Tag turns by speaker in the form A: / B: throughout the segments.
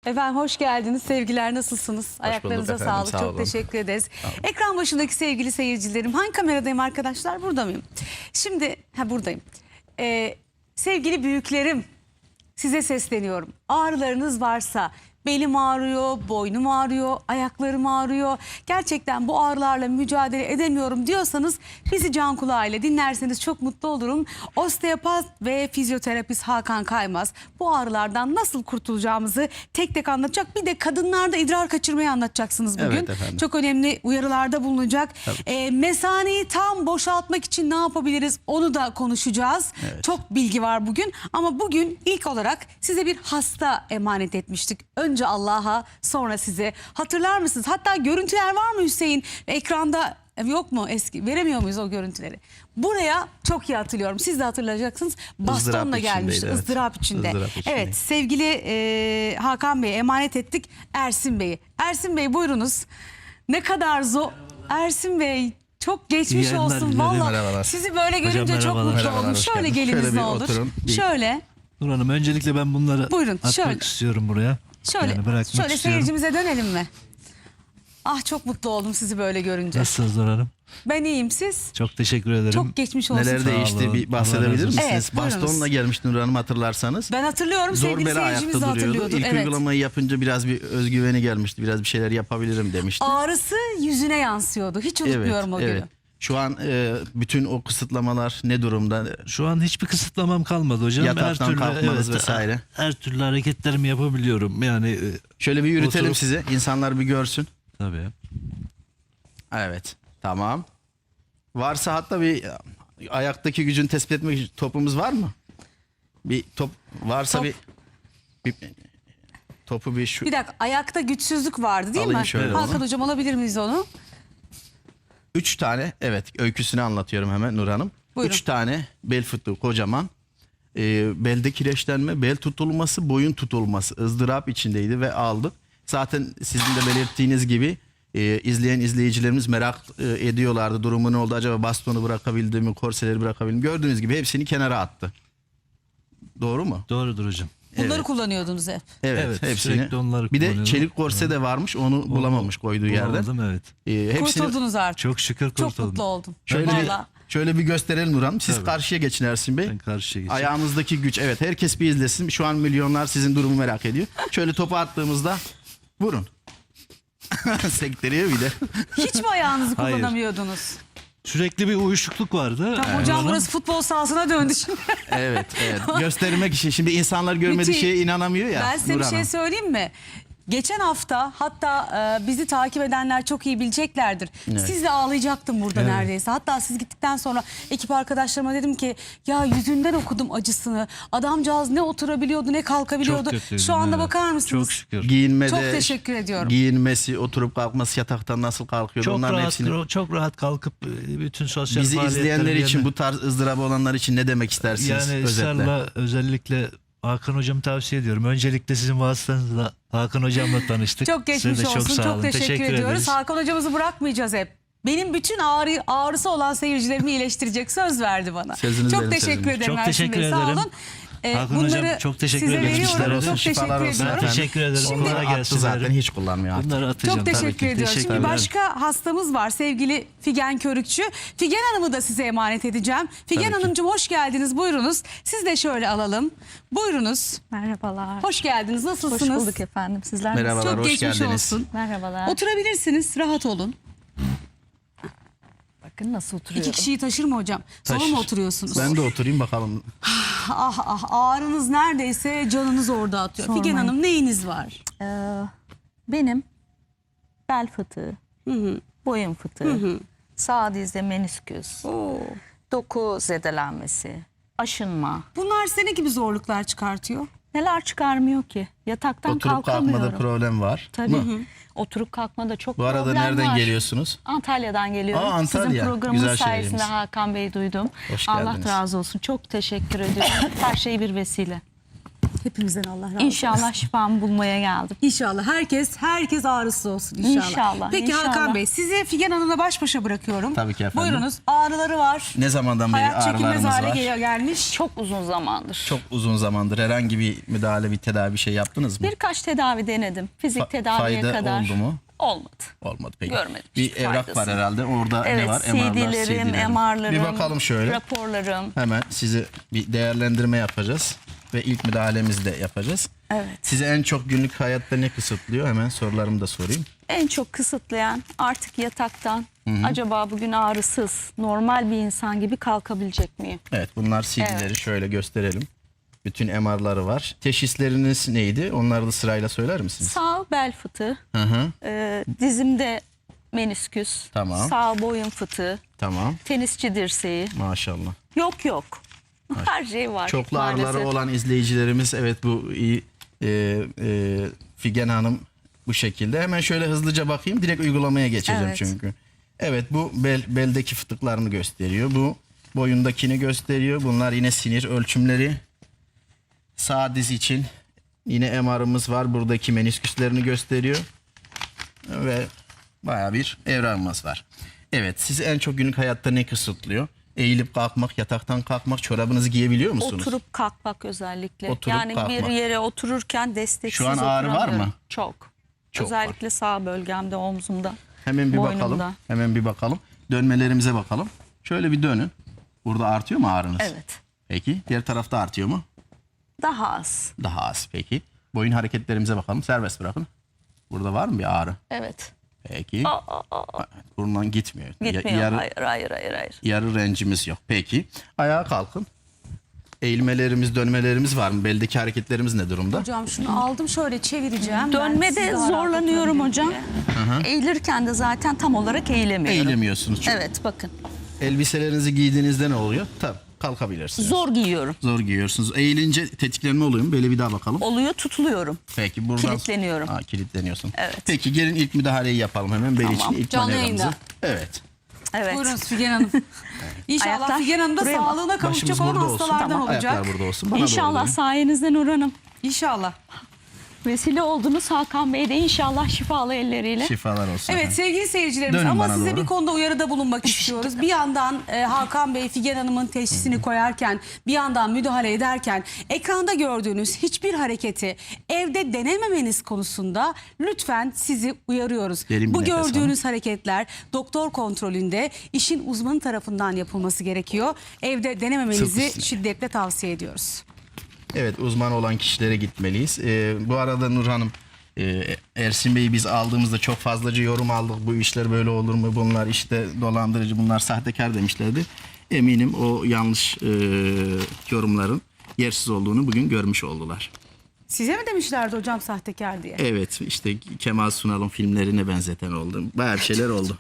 A: Efendim hoş geldiniz. Sevgiler, nasılsınız? Ayaklarınıza
B: efendim,
A: sağlık.
B: sağ
A: Çok
B: olun.
A: teşekkür ederiz. Ekran başındaki sevgili seyircilerim. Hangi kameradayım arkadaşlar? Burada mıyım? Şimdi buradayım. Sevgili büyüklerim, size sesleniyorum. Ağrılarınız varsa, belim ağrıyor, boynum ağrıyor, ayaklarım ağrıyor, gerçekten bu ağrılarla mücadele edemiyorum diyorsanız bizi can kulağıyla dinlerseniz çok mutlu olurum. Osteopat ve fizyoterapist Hakan Kaymaz bu ağrılardan nasıl kurtulacağımızı tek tek anlatacak. Bir de kadınlarda idrar kaçırmayı anlatacaksınız bugün.
B: Evet efendim.
A: Çok önemli uyarılarda bulunacak. Mesaneyi tam boşaltmak için ne yapabiliriz onu da konuşacağız.
B: Evet.
A: Çok bilgi var bugün ama bugün ilk olarak size bir hasta emanet etmiştik. Önce Allah'a, sonra size. Hatırlar mısınız? Hatta görüntüler var mı Hüseyin? Ekranda yok mu eski? Veremiyor muyuz o görüntüleri? Buraya çok iyi hatırlıyorum. Siz de hatırlayacaksınız. Bastonla gelmişti.
B: Evet.
A: ızdırap içinde.
B: Izdırap içindeydi.
A: Evet, sevgili Hakan Bey'e emanet ettik. Ersin Bey'i. Ersin Bey buyurunuz. Ne kadar zor. Ersin Bey çok geçmiş
C: İyi
A: olsun.
C: yayınlar,
A: Vallahi
B: merhabalar.
A: sizi böyle görünce
C: Hocam,
A: çok
C: merhabalar.
A: mutlu
B: Merhabalar,
A: oldum.
B: hoş
A: Şöyle
B: geldiniz.
A: geliniz
B: Şöyle
A: ne
B: bir
A: olur.
B: oturun.
A: Şöyle.
C: Nur Hanım, öncelikle ben bunları
A: Buyurun,
C: atmak
A: şöyle.
C: istiyorum buraya.
A: Şöyle,
C: Yani bırakmak
A: şöyle
C: istiyorum.
A: seyircimize dönelim mi? Ah çok mutlu oldum sizi böyle görünce.
C: Nasılsınız Nur Hanım?
A: Ben iyiyim, siz?
C: Çok teşekkür ederim.
A: Çok geçmiş olsun.
B: Neler
C: Sağ
B: değişti
C: olun.
B: bir
C: Allah
B: bahsedebilir
C: razı olsun.
B: misiniz?
A: Evet, buyurunuz.
B: Bastonla gelmişti Nur Hanım, hatırlarsanız.
A: Ben hatırlıyorum,
B: Zor
A: sevgili
B: bela
A: seyircimiz de
B: ayakta duruyordu.
A: hatırlıyordur.
B: İlk
A: Evet.
B: uygulamayı yapınca biraz bir özgüveni gelmişti. Biraz bir şeyler yapabilirim demişti.
A: Ağrısı yüzüne yansıyordu. Hiç unutmuyorum o günü.
B: Şu an bütün o kısıtlamalar ne durumda?
C: Şu an hiçbir kısıtlamam kalmadı hocam.
B: Yataktan kalkmanız vesaire.
C: Her türlü hareketlerimi yapabiliyorum. Yani
B: Şöyle bir yürütelim
C: Oturup-
B: size. İnsanlar bir görsün.
C: tabii.
B: Evet. Tamam. Varsa hatta bir ayaktaki gücünü tespit etmek için topumuz var mı? Bir top varsa
A: Top.
B: bir topu bir şu.
A: Bir dakika, ayakta güçsüzlük vardı değil
B: Alayım
A: mi?
B: şöyle
A: Hakan
B: onu.
A: hocam alabilir miyiz onu?
B: 3 tane, evet, öyküsünü anlatıyorum hemen Nur Hanım.
A: Buyurun.
B: 3 tane bel fıtığı kocaman. Belde kireçlenme, bel tutulması, boyun tutulması ızdırap içindeydi ve aldık. Zaten sizin de belirttiğiniz gibi izleyen izleyicilerimiz merak ediyorlardı. Durumu ne oldu? Acaba bastonu bırakabildi mi? Korseleri bırakabildi mi? Gördüğünüz gibi hepsini kenara attı. Doğru mu?
C: Doğrudur hocam.
A: Bunları
B: Evet.
A: kullanıyordunuz hep.
B: Evet, hepsini.
C: sürekli onları
B: Bir de
C: kullanıyorum.
B: çelik korse de varmış. Onu bulamamış koyduğu yerde.
C: Bulamadım, evet.
B: Hepsini
A: Kurtuldunuz artık.
C: Çok şükür
A: Çok
C: kurtuldum.
A: mutlu oldum.
B: Şöyle
A: Vallahi.
B: şöyle bir gösterelim Nur Hanım. Siz
C: Tabii.
B: karşıya geçin Ersin Bey.
C: Ben karşıya geçeyim.
B: Ayağınızdaki güç. Evet, herkes bir izlesin. Şu an milyonlar sizin durumu merak ediyor. Şöyle topu attığımızda vurun. Sekteriyor bir de.
A: Hiç mi ayağınızı
C: Hayır.
A: kullanamıyordunuz?
C: Sürekli bir uyuşukluk vardı.
A: Tamam, hocam burası futbol sahasına döndü şimdi.
B: Evet, evet. Göstermek için. Şimdi insanlar görmediği
A: Müthiş.
B: şeye inanamıyor ya.
A: Ben size
B: Nur
A: bir şey
B: Hanım.
A: söyleyeyim mi? Geçen hafta hatta bizi takip edenler çok iyi bileceklerdir.
B: Evet.
A: Sizle ağlayacaktım burada neredeyse. Hatta siz gittikten sonra ekip arkadaşlarıma dedim ki ya yüzünden okudum acısını. Adamcağız ne oturabiliyordu ne kalkabiliyordu.
C: Çok kötüydü,
A: Şu anda
C: evet.
A: bakar mısınız?
C: Çok şükür.
B: Giyinmede,
A: Çok teşekkür ediyorum.
B: Giyinmesi, oturup kalkması, yataktan nasıl kalkıyordu.
C: Çok
B: Onların
C: rahat,
B: hepsini.
C: çok rahat kalkıp bütün sosyal
B: Bizi
C: faaliyetlerimi
B: izleyenler için,
C: yerine-
B: bu tarz ızdırabı olanlar için ne demek istersiniz?
C: Yani
B: özetle?
C: ısrarla özellikle Hakan hocamı tavsiye ediyorum. Öncelikle sizin vasıtanızla Hakan hocamla tanıştık.
A: Çok geçmiş
C: Size de
A: olsun.
C: Çok, sağ
A: Çok
C: olun.
A: teşekkür ediyoruz.
C: ederiz.
A: Hakan hocamızı bırakmayacağız hep. Benim bütün ağrısı olan seyircilerimi iyileştirecek, söz verdi bana.
B: Sözünüz
A: çok
B: benim
A: teşekkür
B: sözüm.
A: ederim
C: Çok
A: Ersin
C: teşekkür
A: Bey. Sağ
C: ederim.
A: olun.
C: Hakan hocam, çok teşekkür
A: size
C: ederim.
A: veriyorum.
B: Geçmişler olsun,
A: Çok
B: şifalar
A: teşekkür
B: olsun
A: ediyorum.
B: efendim.
C: Teşekkür ederim.
A: Şimdi-
C: Kolay
B: Attı
C: gelsin
B: zaten,
C: derim.
B: hiç kullanmıyor artık.
C: Bunları atacağım.
A: Çok
C: tabii
A: teşekkür
C: ki.
A: ediyoruz.
C: Teşekkür
A: Şimdi
C: ederim.
A: başka hastamız var, sevgili Figen Körükçü. Figen Hanım'ı da size emanet edeceğim. Figen
B: Tabii ki.
A: Hanımcığım hoş geldiniz. Buyurunuz. Siz de şöyle alalım. Buyurunuz.
D: Merhabalar.
A: Hoş geldiniz. Nasılsınız?
D: Hoş bulduk efendim. Sizler
B: Merhabalar,
D: nasılsınız?
A: Çok
B: hoş
A: geçmiş
B: geldiniz.
A: olsun.
D: Merhabalar.
A: Oturabilirsiniz. Rahat olun.
D: Bakın nasıl oturuyorum.
A: İki kişiyi taşır mı hocam? Sola mı
B: Taşır.
A: oturuyorsunuz?
B: Ben de oturayım bakalım.
A: Ah ah, ağrınız neredeyse canınız orada atıyor.
D: Sormayın.
A: Figen Hanım, neyiniz var?
D: Benim bel fıtığı, boyun fıtığı, sağ dizde menisküs, doku zedelenmesi, aşınma.
A: Bunlar size ne gibi zorluklar çıkartıyor?
D: Neler çıkarmıyor ki? Yataktan
B: Oturup
D: kalkamıyorum.
B: kalkmada problem var.
D: Tabii.
B: Mı?
D: Oturup kalkmada çok
B: Bu arada
D: problem
B: nereden
D: var.
B: geliyorsunuz?
D: Antalya'dan geliyorum.
B: Aa, Antalya.
D: Sizin programınız
B: Güzel
D: sayesinde
B: şehrimiz.
D: Hakan Bey duydum.
B: Hoş
D: Allah
B: geldiniz.
D: razı olsun. Çok teşekkür ediyorum. Her şey bir vesile.
A: Hepimizden Allah razı olsun.
D: İnşallah şifamı bulmaya geldim.
A: İnşallah herkes ağrısı olsun inşallah.
D: İnşallah,
A: Peki
D: inşallah.
A: Hakan Bey, sizi Figen Hanım'la baş başa bırakıyorum.
B: Tabii ki efendim.
A: Buyurunuz, ağrıları var.
B: Ne zamandan beri
A: Hayat çekilmez
B: ağrılarımız
A: hale
B: var?
A: gelmiş.
D: Çok uzun zamandır.
B: Çok uzun zamandır herhangi bir müdahale, bir tedavi bir şey yaptınız mı?
D: Birkaç tedavi denedim. Fizik tedaviye
B: fayda
D: kadar.
B: oldu mu?
D: Olmadı.
B: Olmadı peki.
D: Görmedim
B: Bir
D: hiçbir
B: evrak
D: faydasını.
B: var herhalde. Orada ne
D: Evet,
B: var?
D: CD'lerim, MR'larım,
B: Bir bakalım şöyle.
D: raporlarım.
B: Hemen sizi bir değerlendirme yapacağız. Ve ilk müdahalemizi de yapacağız.
D: Evet.
B: Sizi en çok günlük hayatta ne kısıtlıyor? Hemen sorularımı da sorayım.
D: En çok kısıtlayan artık yataktan acaba bugün ağrısız, normal bir insan gibi kalkabilecek miyim?
B: Evet, bunlar CD'leri
D: Evet.
B: şöyle gösterelim. Bütün MR'ları var. Teşhisleriniz neydi? Onları da sırayla söyler misiniz?
D: Sağ bel fıtığı,
B: Hı hı.
D: dizimde menisküs,
B: Tamam.
D: sağ boyun fıtığı,
B: Tamam.
D: tenisçi dirseği.
B: Maşallah.
D: Yok. Her şey var.
B: Çoklu
D: maalesef.
B: ağrıları olan izleyicilerimiz, evet, bu iyi. Figen Hanım bu şekilde. Hemen şöyle hızlıca bakayım. Direkt uygulamaya geçeceğim
D: Evet.
B: çünkü. Evet, bu beldeki fıtıklarını gösteriyor. Bu boyundakini gösteriyor. Bunlar yine sinir ölçümleri. Sağ diz için yine MR'ımız var. Buradaki menisküslerini gösteriyor. Ve bayağı bir evrağımız var. Evet, sizi en çok günlük hayatta ne kısıtlıyor? Eğilip kalkmak, yataktan kalkmak, çorabınızı giyebiliyor musunuz?
D: Oturup kalkmak özellikle.
B: Oturup
D: yani bir
B: kalkmak.
D: yere otururken desteksiz
B: Şu an ağrı var
D: oturamıyorum.
B: mı?
D: Çok.
B: Çok
D: Özellikle sağ bölgemde, omzumda.
B: Hemen bir
D: boynumda.
B: bakalım. Hemen bir bakalım. Dönmelerimize bakalım. Şöyle bir dönün. Burada artıyor mu ağrınız?
D: Evet.
B: Peki. Diğer tarafta artıyor mu?
D: Daha az.
B: Daha az. Peki. Boyun hareketlerimize bakalım. Serbest bırakın. Burada var mı bir ağrı?
D: Evet.
B: Peki. Burundan gitmiyor.
D: Gitmiyor.
B: Yarı,
D: Hayır.
B: yarı rencimiz yok. Peki. Ayağa kalkın. Eğilmelerimiz, dönmelerimiz var mı? Beldeki hareketlerimiz ne durumda?
A: Hocam şunu aldım, şöyle çevireceğim. Ben sizi
D: Dönmede
A: daha rahat
D: zorlanıyorum
A: oturabilirim
D: hocam.
A: diye.
D: Eğilirken de zaten tam olarak eğilemiyorum.
B: Eğilemiyorsunuz. Çünkü
D: Evet, bakın.
B: elbiselerinizi giydiğinizde ne oluyor? Tabii. Kalkabilirsiniz.
D: Zor giyiyorum.
B: Zor giyiyorsunuz. Eğilince tetiklenme oluyor mu? Böyle bir daha bakalım.
D: Oluyor, tutuluyorum.
B: Peki buradan...
D: Kilitleniyorum.
B: Kilitleniyorsun.
D: Evet.
B: Peki gelin ilk müdahaleyi yapalım hemen. Bel
D: Tamam.
B: için ilk
A: Canlı
B: manevramızı.
A: yayında.
B: Evet.
D: Evet.
A: Buyurun Figen Hanım. İnşallah
D: Ayaklar
A: Figen Hanım da
D: buraya bak.
A: sağlığına kavuşacak
B: Başımız
A: olan
B: burada olsun.
A: hastalardan
B: Tamam.
A: olacak.
B: Ayaklar burada olsun. Bana doğru
D: İnşallah
B: dönün.
D: sayenizde Nur Hanım.
A: İnşallah.
D: Vesile oldunuz Hakan Bey de inşallah şifalı elleriyle.
B: Şifalar olsun.
A: Evet
B: efendim.
A: sevgili seyircilerimiz,
B: Dönün
A: ama
B: bana
A: size
B: doğru.
A: bir konuda uyarıda bulunmak istiyoruz. Bir yandan Hakan Bey Figen Hanım'ın teşhisini koyarken, bir yandan müdahale ederken ekranda gördüğünüz hiçbir hareketi evde denememeniz konusunda lütfen sizi uyarıyoruz.
B: Derin bir
A: Bu
B: nefes
A: gördüğünüz hareketler doktor kontrolünde işin uzmanı tarafından yapılması gerekiyor. Evde denememenizi
B: Sırf üstüne.
A: şiddetle tavsiye ediyoruz.
B: Evet, uzman olan kişilere gitmeliyiz. Bu arada Nur Hanım, Ersin Bey'i biz aldığımızda çok fazlaca yorum aldık. Bu işler böyle olur mu? Bunlar işte dolandırıcı, bunlar sahtekar demişlerdi. Eminim o yanlış yorumların yersiz olduğunu bugün görmüş oldular.
A: Size mi demişlerdi hocam sahtekar diye?
B: Evet, işte Kemal Sunal'ın filmlerine benzeten oldu. Bayağı bir şeyler oldu.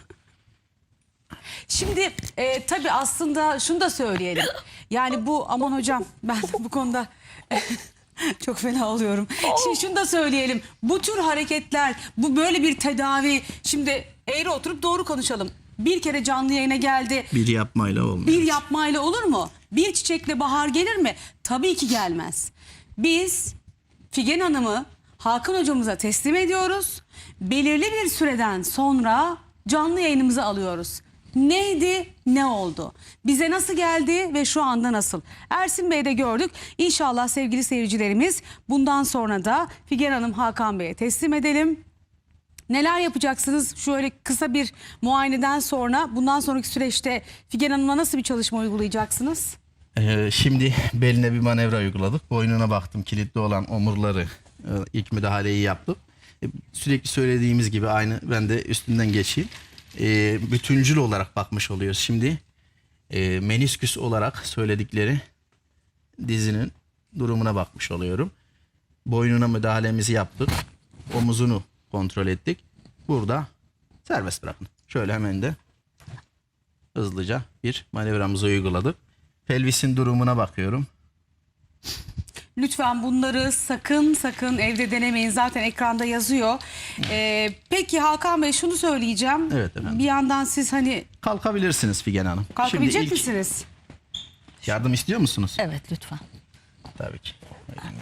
A: Şimdi tabii aslında şunu da söyleyelim. Yani bu, aman hocam ben bu konuda çok fena oluyorum. Şimdi şunu da söyleyelim. Bu tür hareketler, bu böyle bir tedavi. Şimdi eğri oturup doğru konuşalım. Bir kere canlı yayına geldi.
B: Bir yapmayla olmuyor.
A: Bir yapmayla olur mu? Bir çiçekle bahar gelir mi? Tabii ki gelmez. Biz Figen Hanım'ı Hakan hocamıza teslim ediyoruz. Belirli bir süreden sonra canlı yayınımıza alıyoruz. Neydi, ne oldu? Bize nasıl geldi ve şu anda nasıl? Ersin Bey'de gördük. İnşallah sevgili seyircilerimiz bundan sonra da Figen Hanım Hakan Bey'e teslim edelim. Neler yapacaksınız? Şöyle kısa bir muayeneden sonra bundan sonraki süreçte Figen Hanım'a nasıl bir çalışma uygulayacaksınız?
B: Şimdi beline bir manevra uyguladık. Boynuna baktım, kilitli olan omurları ilk müdahaleyi yaptık. Sürekli söylediğimiz gibi aynı, ben de üstünden geçeyim. Bütüncül olarak bakmış oluyoruz. Şimdi menisküs olarak söyledikleri dizinin durumuna bakmış oluyorum. Boynuna müdahalemizi yaptık. Omuzunu kontrol ettik. Burada serbest bırakın. Şöyle hemen de hızlıca bir manevramızı uyguladık. Pelvisin durumuna bakıyorum.
A: Lütfen bunları sakın evde denemeyin. Zaten ekranda yazıyor. Peki Hakan Bey şunu söyleyeceğim.
B: Evet efendim.
A: Bir yandan siz hani
B: Kalkabilirsiniz Figen Hanım.
A: kalkabilecek
B: Şimdi ilk
A: misiniz?
B: yardım istiyor musunuz?
D: Evet, lütfen.
B: Tabii ki. Buyurun, gel.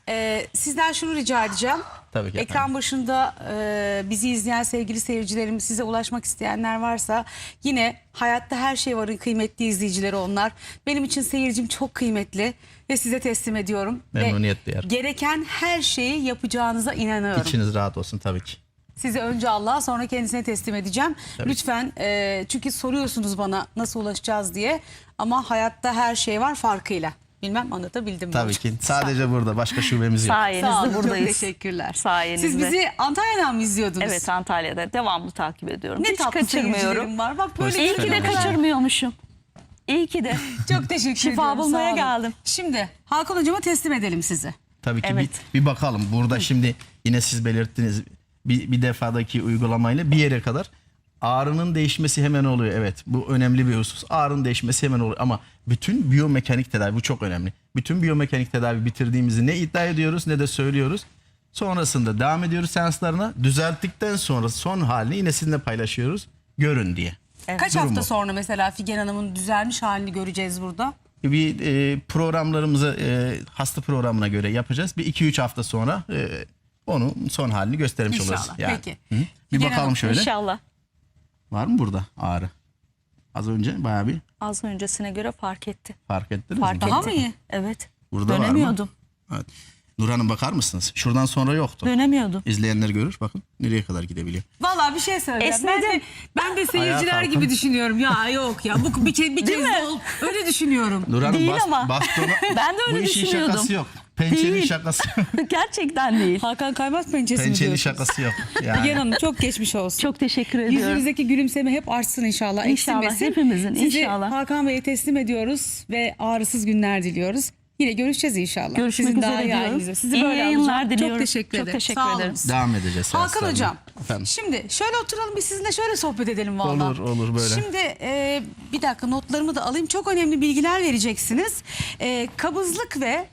A: Sizden şunu rica edeceğim.
B: Tabii ki
A: Ekran
B: efendim.
A: başında bizi izleyen sevgili seyircilerim, size ulaşmak isteyenler varsa yine Hayatta Her Şey Var'ın kıymetli izleyicileri onlar. Benim için seyircim çok kıymetli ve size teslim ediyorum.
B: Memnuniyet
A: Ve
B: duyarım.
A: gereken her şeyi yapacağınıza inanıyorum.
B: İçiniz rahat olsun tabii ki.
A: Sizi önce Allah'a sonra kendisine teslim edeceğim.
B: Tabii.
A: Lütfen çünkü soruyorsunuz bana nasıl ulaşacağız diye ama hayatta her şey var farkıyla. Bilmem anlatabildim mi?
B: Tabii
A: hocam?
B: ki. Sadece burada. Başka şubemiz yok.
A: Sağ
D: Sayenizde
A: olun,
D: buradayız.
A: çok teşekkürler.
D: Sayenizde.
A: Siz bizi Antalya'dan mı izliyordunuz?
D: Evet, Antalya'da devamlı takip ediyorum.
A: Ne
D: Hiç
A: tatlı
D: kaçırmıyorum.
A: seyircilerim var. Bak böyle
D: İyi ki de
B: Selam.
D: kaçırmıyormuşum. İyi ki de.
A: çok teşekkür
D: Şifa
A: ediyorum.
D: bulmaya
A: sağ olun.
D: geldim.
A: Şimdi Hakan hocama teslim edelim sizi.
B: Tabii ki
D: Evet.
B: bir bakalım. Burada şimdi yine siz belirttiniz bir defadaki uygulamayla bir yere kadar ağrının değişmesi hemen oluyor. Evet, bu önemli bir husus. Ağrının değişmesi hemen oluyor ama bütün biyomekanik tedavi, bu çok önemli. Bütün biyomekanik tedavi bitirdiğimizi ne iddia ediyoruz ne de söylüyoruz. Sonrasında devam ediyoruz seanslarına. Düzelttikten sonra son halini yine sizinle paylaşıyoruz. Görün diye.
A: Kaç
B: Durum
A: hafta
B: bu.
A: sonra mesela Figen Hanım'ın düzelmiş halini göreceğiz burada?
B: Bir programlarımızı hasta programına göre yapacağız. Bir 2-3 hafta sonra onun son halini göstermiş
A: İnşallah.
B: oluruz. Yani.
A: Peki.
B: Hı? Bir
A: Figen
B: bakalım
A: Hanım,
B: şöyle.
D: İnşallah.
B: Var mı burada ağrı? Az önce bayağı bir
D: Az öncesine göre fark etti.
B: fark ettiniz
D: Fark
B: mi?
D: etti.
A: Daha mı iyi?
D: Evet.
B: Burada var mı?
D: Dönemiyordum.
B: Evet. Nur Hanım bakar mısınız? Şuradan sonra yoktu.
D: Dönemiyordum.
B: İzleyenler görür. Bakın nereye kadar gidebiliyor.
A: Vallahi bir şey söyleyeceğim.
D: Esnedim.
A: Ben de seyirciler
B: Ayağa
A: gibi
B: kalkın.
A: düşünüyorum. Ya yok ya bu bir kez de ol. Öyle düşünüyorum.
B: Nur Hanım
D: Değil ama.
B: bastonu.
D: Ben de öyle
B: bu işin
D: düşünüyordum.
B: şakası yok. Pençenin
D: Değil.
B: şakası.
D: Gerçekten değil.
A: Hakan Kaymaz pençesi mi
B: Pençenin
A: diyorsunuz?
B: şakası yok.
A: Figen
B: Yani.
A: Hanım çok geçmiş olsun.
D: Çok teşekkür ediyorum.
A: Yüzünüzdeki gülümseme hep artsın inşallah.
D: İnşallah,
A: eksilmesin.
D: hepimizin,
A: Sizi
D: inşallah.
A: Hakan Bey'e teslim ediyoruz ve ağrısız günler diliyoruz. Yine görüşeceğiz inşallah.
D: Görüşmek
A: Sizin
D: üzere
A: daha iyi
D: diyorum.
A: halinizde. Sizi
D: İyi
A: böyle
D: yayınlar
A: alacağım.
D: diliyorum.
A: Çok teşekkür
D: Çok
A: ederim.
D: teşekkür
A: Sağ olun.
D: ederim.
B: Devam edeceğiz.
A: Hakan
B: seanslarına.
A: Hocam,
B: Efendim.
A: şimdi şöyle oturalım biz sizinle şöyle sohbet edelim vallahi.
B: Olur, olur böyle.
A: Şimdi bir dakika notlarımı da alayım. Çok önemli bilgiler vereceksiniz. Kabızlık ve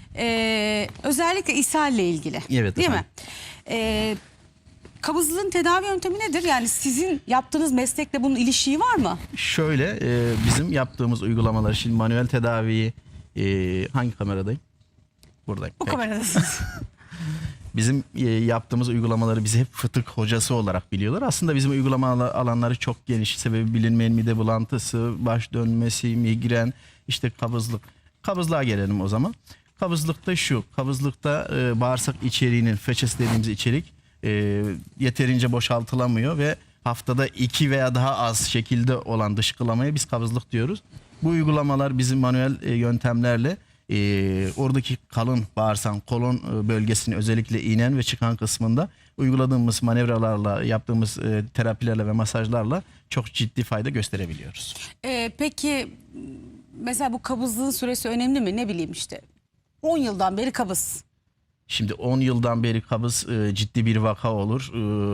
A: özellikle ishalle ilgili.
B: Evet,
A: değil mi?
B: efendim.
A: Kabızlığın tedavi yöntemi nedir? Yani sizin yaptığınız meslekle bunun ilişiği var mı?
B: Şöyle bizim yaptığımız uygulamalar şimdi manuel tedaviyi hangi kameradayım? Buradayım.
A: Bu
B: Peki.
A: kameradasınız.
B: Bizim yaptığımız uygulamaları bizi hep fıtık hocası olarak biliyorlar. Aslında bizim uygulama alanları çok geniş. Sebebi bilinmeyen mide bulantısı, baş dönmesi, migren, işte kabızlık. Kabızlığa gelelim o zaman. Kabızlıkta şu, kabızlıkta bağırsak içeriğinin, feçes dediğimiz içerik yeterince boşaltılamıyor ve haftada 2 veya daha az şekilde olan dışkılamaya biz kabızlık diyoruz. Bu uygulamalar bizim manuel yöntemlerle oradaki kalın bağırsan kolon bölgesini özellikle inen ve çıkan kısmında uyguladığımız manevralarla yaptığımız terapilerle ve masajlarla çok ciddi fayda gösterebiliyoruz.
A: Peki mesela bu kabızlığın süresi önemli mi? Ne bileyim işte 10 yıldan beri kabız.
B: Şimdi 10 yıldan beri kabız ciddi bir vaka olur.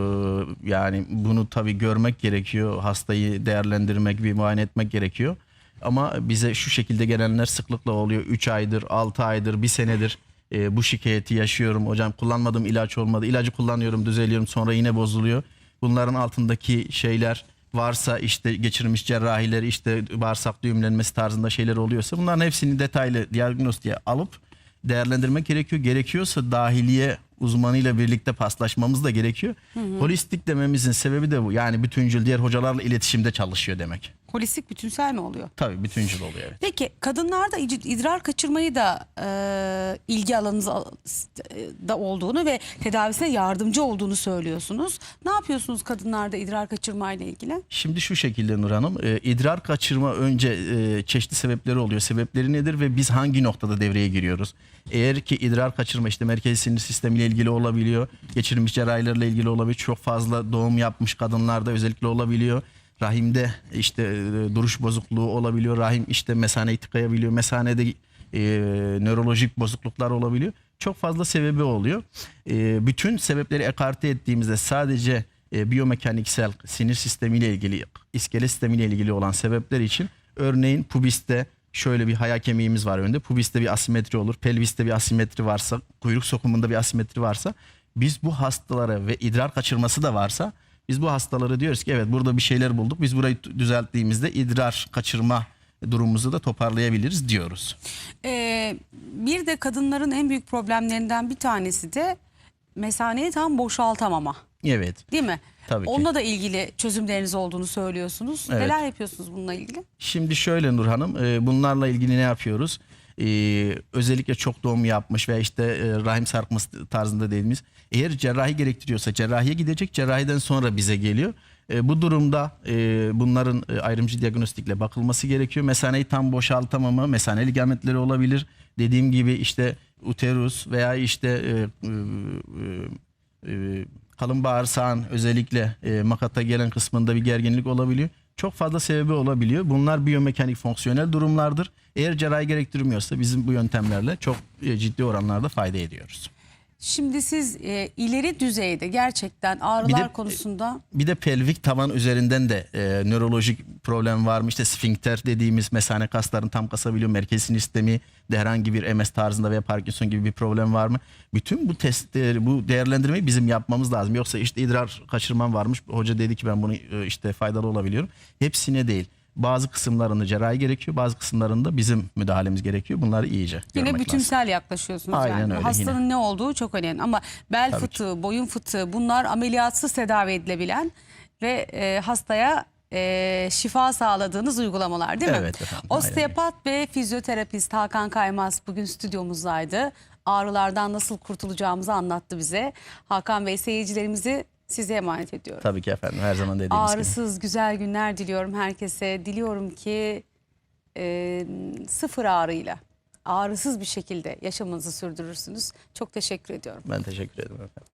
B: Yani bunu tabii görmek gerekiyor. Hastayı değerlendirmek, bir muayene etmek gerekiyor. Ama bize şu şekilde gelenler sıklıkla oluyor. 3 aydır, 6 aydır, 1 senedir bu şikayeti yaşıyorum. Hocam kullanmadığım ilaç olmadı. İlacı kullanıyorum, düzeliyorum, sonra yine bozuluyor. Bunların altındaki şeyler varsa işte geçirilmiş cerrahiler, işte bağırsak düğümlenmesi tarzında şeyler oluyorsa bunların hepsini detaylı diagnostiğe alıp değerlendirmek gerekiyor. Gerekiyorsa dahiliye uzmanıyla birlikte paslaşmamız da gerekiyor. Holistik dememizin sebebi de bu. Yani bütüncül diğer hocalarla iletişimde çalışıyor demek.
A: Holistik bütünsel mi oluyor?
B: Tabii bütüncül oluyor. Evet.
A: Peki kadınlarda idrar kaçırmayı da ilgi alanınızda da olduğunu ve tedavisine yardımcı olduğunu söylüyorsunuz. Ne yapıyorsunuz kadınlarda idrar kaçırmayla ilgili?
B: Şimdi şu şekilde Nur Hanım, idrar kaçırma önce çeşitli sebepleri oluyor. Sebepleri nedir ve biz hangi noktada devreye giriyoruz? Eğer ki idrar kaçırma işte merkezi sinir sistemiyle ilgili olabiliyor, geçirilmiş cerrahilerle ilgili olabiliyor, çok fazla doğum yapmış kadınlarda özellikle olabiliyor. Rahimde işte duruş bozukluğu olabiliyor, rahim işte mesaneyi tıkayabiliyor, mesanede nörolojik bozukluklar olabiliyor. Çok fazla sebebi oluyor. Bütün sebepleri ekarte ettiğimizde sadece biyomekaniksel sinir sistemiyle ilgili, iskelet sistemiyle ilgili olan sebepler için örneğin pubiste şöyle bir haya kemiğimiz var önde. Pubiste bir asimetri olur, pelviste bir asimetri varsa, kuyruk sokumunda bir asimetri varsa biz bu hastalara ve idrar kaçırması da varsa biz bu hastalara diyoruz ki evet burada bir şeyler bulduk. Biz burayı düzelttiğimizde idrar kaçırma durumumuzu da toparlayabiliriz diyoruz.
A: Bir de kadınların en büyük problemlerinden bir tanesi de mesaneyi tam boşaltamama.
B: Evet.
A: Değil mi?
B: Tabii ki.
A: Onunla da ilgili çözümleriniz olduğunu söylüyorsunuz.
B: Evet.
A: Neler yapıyorsunuz bununla ilgili?
B: Şimdi şöyle Nur Hanım, bunlarla ilgili ne yapıyoruz? Özellikle çok doğum yapmış veya işte rahim sarkması tarzında dediğimiz, eğer cerrahi gerektiriyorsa cerrahiye gidecek, cerrahiden sonra bize geliyor. Bu durumda bunların ayrımcı diagnostikle bakılması gerekiyor. Mesaneyi tam boşaltamama, mesane ligamentleri olabilir. Dediğim gibi işte uterus veya işte kalın bağırsağın özellikle makata gelen kısmında bir gerginlik olabiliyor. Çok fazla sebebi olabiliyor. Bunlar biyomekanik fonksiyonel durumlardır. Eğer cerrahi gerektirmiyorsa bizim bu yöntemlerle çok ciddi oranlarda fayda ediyoruz.
A: Şimdi siz ileri düzeyde gerçekten ağrılar konusunda...
B: Bir de pelvik taban üzerinden de nörolojik problem var mı? İşte sfinkter dediğimiz mesane kaslarını tam kasabiliyor. Merkez sinir sistemi de herhangi bir MS tarzında veya Parkinson gibi bir problem var mı? Bütün bu testleri, bu değerlendirmeyi bizim yapmamız lazım. Yoksa işte idrar kaçırmam varmış. Hoca dedi ki ben bunu işte faydalı olabiliyorum. Hepsine değil. Bazı kısımlarında cerrahi gerekiyor, bazı kısımlarında bizim müdahalemiz gerekiyor. Bunları iyice
A: Yine
B: görmek
A: bütünsel
B: lazım.
A: yaklaşıyorsunuz.
B: Aynen
A: yani.
B: öyle,
A: Hastanın
B: yine.
A: ne olduğu çok önemli ama bel
B: Tabii
A: fıtığı, boyun fıtığı bunlar ameliyatsız tedavi edilebilen ve hastaya şifa sağladığınız uygulamalar değil mi?
B: Evet efendim,
A: Osteopat ve fizyoterapist Hakan Kaymaz bugün stüdyomuzdaydı. Ağrılardan nasıl kurtulacağımızı anlattı bize. Hakan Bey, seyircilerimizi size emanet ediyorum.
B: Tabii ki efendim, her zaman dediğimiz gibi.
A: Ağrısız güzel günler diliyorum herkese. Diliyorum ki sıfır ağrıyla, ağrısız bir şekilde yaşamınızı sürdürürsünüz. Çok teşekkür ediyorum.
B: Ben teşekkür ederim efendim.